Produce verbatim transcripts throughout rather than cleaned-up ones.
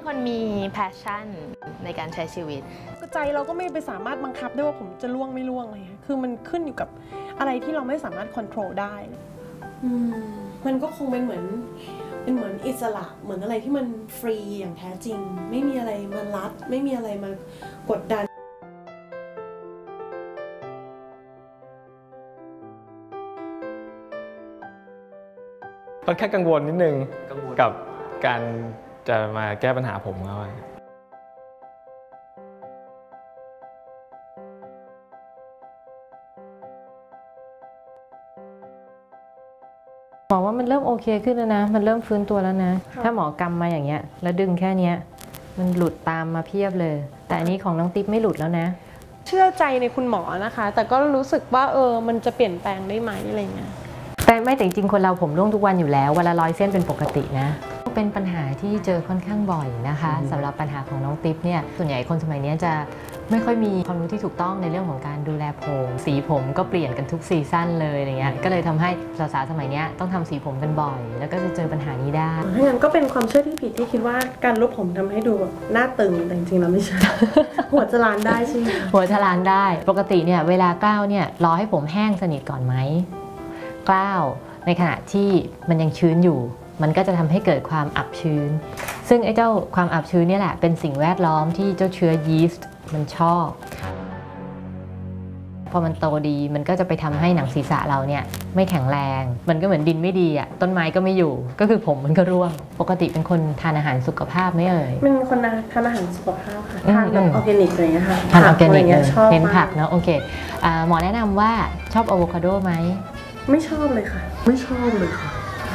คนมี passion ในการใช้ชีวิตใจเราก็ไม่ไปสามารถบังคับได้ว่าผมจะล่วงไม่ล่วงอะไรเงี้ยคือมันขึ้นอยู่กับอะไรที่เราไม่สามารถควบคุมได้อืมมันก็คงเป็นเหมือนเป็นเหมือนอิสระเหมือนอะไรที่มันฟรีอย่างแท้จริงไม่มีอะไรมารัดไม่มีอะไรมากดดันค่อนข้างกังวลนิดนึงกับการจะมาแก้ปัญหาผมเขาหมอว่ามันเริ่มโอเคขึ้นแล้วนะมันเริ่มฟื้นตัวแล้วนะถ้าหมอกำมาอย่างเงี้ยแล้วดึงแค่เนี้ยมันหลุดตามมาเพียบเลยแต่อันนี้ของน้องติ๊บไม่หลุดแล้วนะเชื่อใจในคุณหมอนะคะแต่ก็รู้สึกว่าเออมันจะเปลี่ยนแปลงได้ไหมอะไรเงี้ยแต่ไม่แต่จริงๆคนเราผมร่วงทุกวันอยู่แล้วเวลาร้อยเส้นเป็นปกตินะเป็นปัญหาที่เจอค่อนข้างบ่อยนะคะสำหรับปัญหาของน้องติ๊บเนี่ยส่วนใหญ่คนสมัยนี้จะไม่ค่อยมีความรู้ที่ถูกต้องในเรื่องของการดูแลผมสีผมก็เปลี่ยนกันทุกซีซั่นเลยอะไรเงี้ยก็เลยทำให้สาวๆสมัยนี้ต้องทำสีผมกันบ่อยแล้วก็จะเจอปัญหานี้ได้ถ้างั้นก็เป็นความเชื่อที่ผิดที่คิดว่าการลบผมทำให้ดูแบบหน้าตึงแต่จริงๆแล้วไม่ใช่ หัวจะล้านได้ใช่ไหมหัวจะล้านได้ปกติเนี่ยเวลากล้าวเนี่ยรอให้ผมแห้งสนิทก่อนไหมกล้าวในขณะที่มันยังชื้นอยู่มันก็จะทำให้เกิดความอับชื้นซึ่งไอ้เจ้าความอับชื้นนี่แหละเป็นสิ่งแวดล้อมที่เจ้าเชื้อยีสต์มันชอบพอมันโตดีมันก็จะไปทำให้หนังศีรษะเราเนี่ยไม่แข็งแรงมันก็เหมือนดินไม่ดีอ่ะต้นไม้ก็ไม่อยู่ก็คือผมมันก็ร่วงปกติเป็นคนทานอาหารสุขภาพไม่เอ่ยเป็นคนทานอาหารสุขภาพค่ะทานแบบออร์แกนิกอะไรเงี้ยค่ะทานออร์แกนิกเลยเน้นผักเนาะโอเคหมอแนะนำว่าชอบอะโวคาโดไหมไม่ชอบเลยค่ะไม่ชอบเลยค่ะ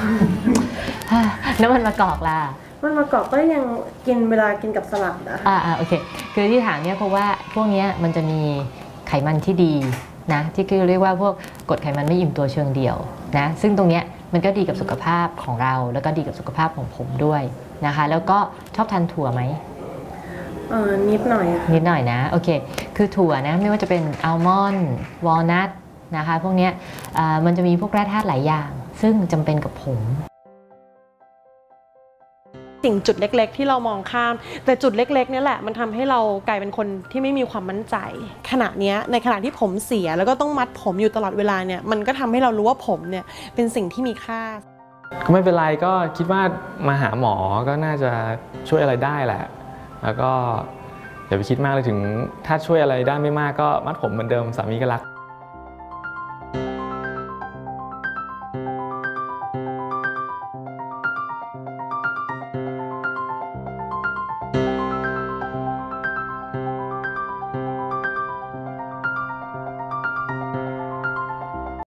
น้ำมันมะกอกล่ะมันมะกอกก็ยังกินเวลากินกับสลัดนะอ่าอ่าโอเคคือที่ถามเนี่ยเพราะว่าพวกนี้มันจะมีไขมันที่ดีนะที่คือเรียกว่าพวกกรดไขมันไม่อิ่มตัวเชิงเดี่ยวนะซึ่งตรงเนี้ยมันก็ดีกับสุขภาพของเราแล้วก็ดีกับสุขภาพของผมด้วยนะคะแล้วก็ชอบทานถั่วไหมเออนิดหน่อยนิดหน่อยนะโอเคคือถั่วนะไม่ว่าจะเป็นอัลมอนด์วอลนัทนะคะพวกนี้มันจะมีพวกแร่ธาตุหลายอย่างซึ่งจำเป็นกับผมสิ่งจุดเล็กๆที่เรามองข้ามแต่จุดเล็กๆนี่แหละมันทำให้เรากลายเป็นคนที่ไม่มีความมั่นใจขณะนี้ในขณะที่ผมเสียแล้วก็ต้องมัดผมอยู่ตลอดเวลาเนี่ยมันก็ทำให้เรารู้ว่าผมเนี่ยเป็นสิ่งที่มีค่าก็ไม่เป็นไรก็คิดว่ามาหาหมอก็น่าจะช่วยอะไรได้แหละแล้วก็อย่าไปคิดมากเลยถึงถ้าช่วยอะไรได้ไม่มากก็มัดผมเหมือนเดิมสามีก็รัก